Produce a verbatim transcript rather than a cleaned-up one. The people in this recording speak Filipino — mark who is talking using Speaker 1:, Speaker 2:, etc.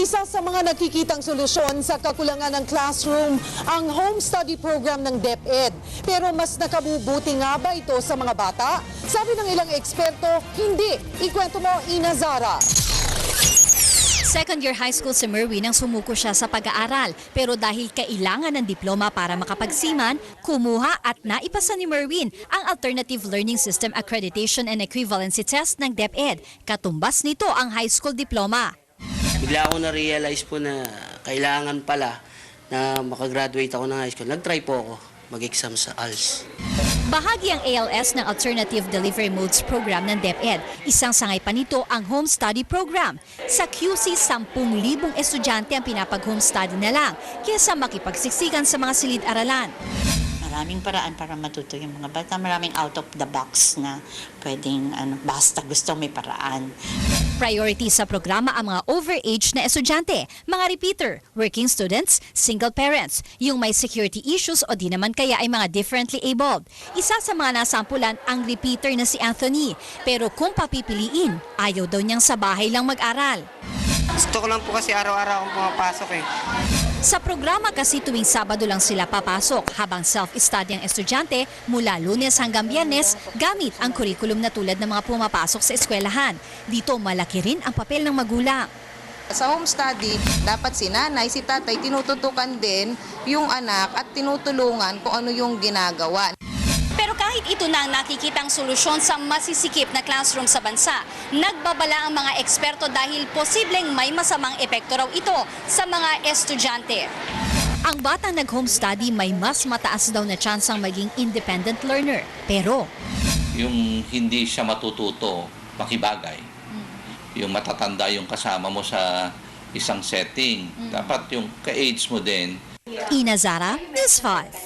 Speaker 1: Isa sa mga nakikitang solusyon sa kakulangan ng classroom ang home study program ng DepEd. Pero mas nakabubuti nga ba ito sa mga bata? Sabi ng ilang eksperto, hindi. Ikwento mo, Ina Zara.
Speaker 2: Second year high school si Merwin nang sumuko siya sa pag-aaral. Pero dahil kailangan ng diploma para makapagsiman, kumuha at naipasa ni Merwin ang Alternative Learning System Accreditation and Equivalency Test ng DepEd. Katumbas nito ang high school diploma.
Speaker 3: Bigla ako na-realize po na kailangan pala na makagraduate ako ng high school. Nag-try po ako mag-exam sa A L S.
Speaker 2: Bahagi ang A L S ng Alternative Delivery Modes program ng DepEd. Isang sangay pa nito ang home study program. Sa Q C, sampung libong estudyante ang pinapag-home study na lang kaysa makipagsiksikan sa mga silid-aralan.
Speaker 4: Maraming paraan para matuto yung mga bata. Maraming out of the box na pwedeng ano, basta gusto may paraan.
Speaker 2: Priority sa programa ang mga overage na estudyante, mga repeater, working students, single parents, yung may security issues o di naman kaya ay mga differently abled. Isa sa mga nasampulan ang repeater na si Anthony. Pero kung papipiliin, ayaw daw niyang sa bahay lang mag-aral.
Speaker 5: Gusto ko lang po kasi araw-araw akong pumapasok eh.
Speaker 2: Sa programa kasi tuwing Sabado lang sila papasok habang self-study ang estudyante mula Lunes hanggang Biyernes gamit ang kurikulum na tulad ng mga pumapasok sa eskwelahan. Dito malaki rin ang papel ng magulang.
Speaker 6: Sa home study, dapat si nanay, si tatay tinututukan din yung anak at tinutulungan kung ano yung ginagawa.
Speaker 2: Pero kahit ito na ang nakikitang solusyon sa masisikip na classroom sa bansa, nagbabala ang mga eksperto dahil posibleng may masamang epekto raw ito sa mga estudyante. Ang batang nag-home study may mas mataas daw na tsansang maging independent learner. Pero
Speaker 7: yung hindi siya matututo, makibagay. Yung matatanda yung kasama mo sa isang setting. Dapat yung ka-age mo din.
Speaker 2: Ina Zara, News five.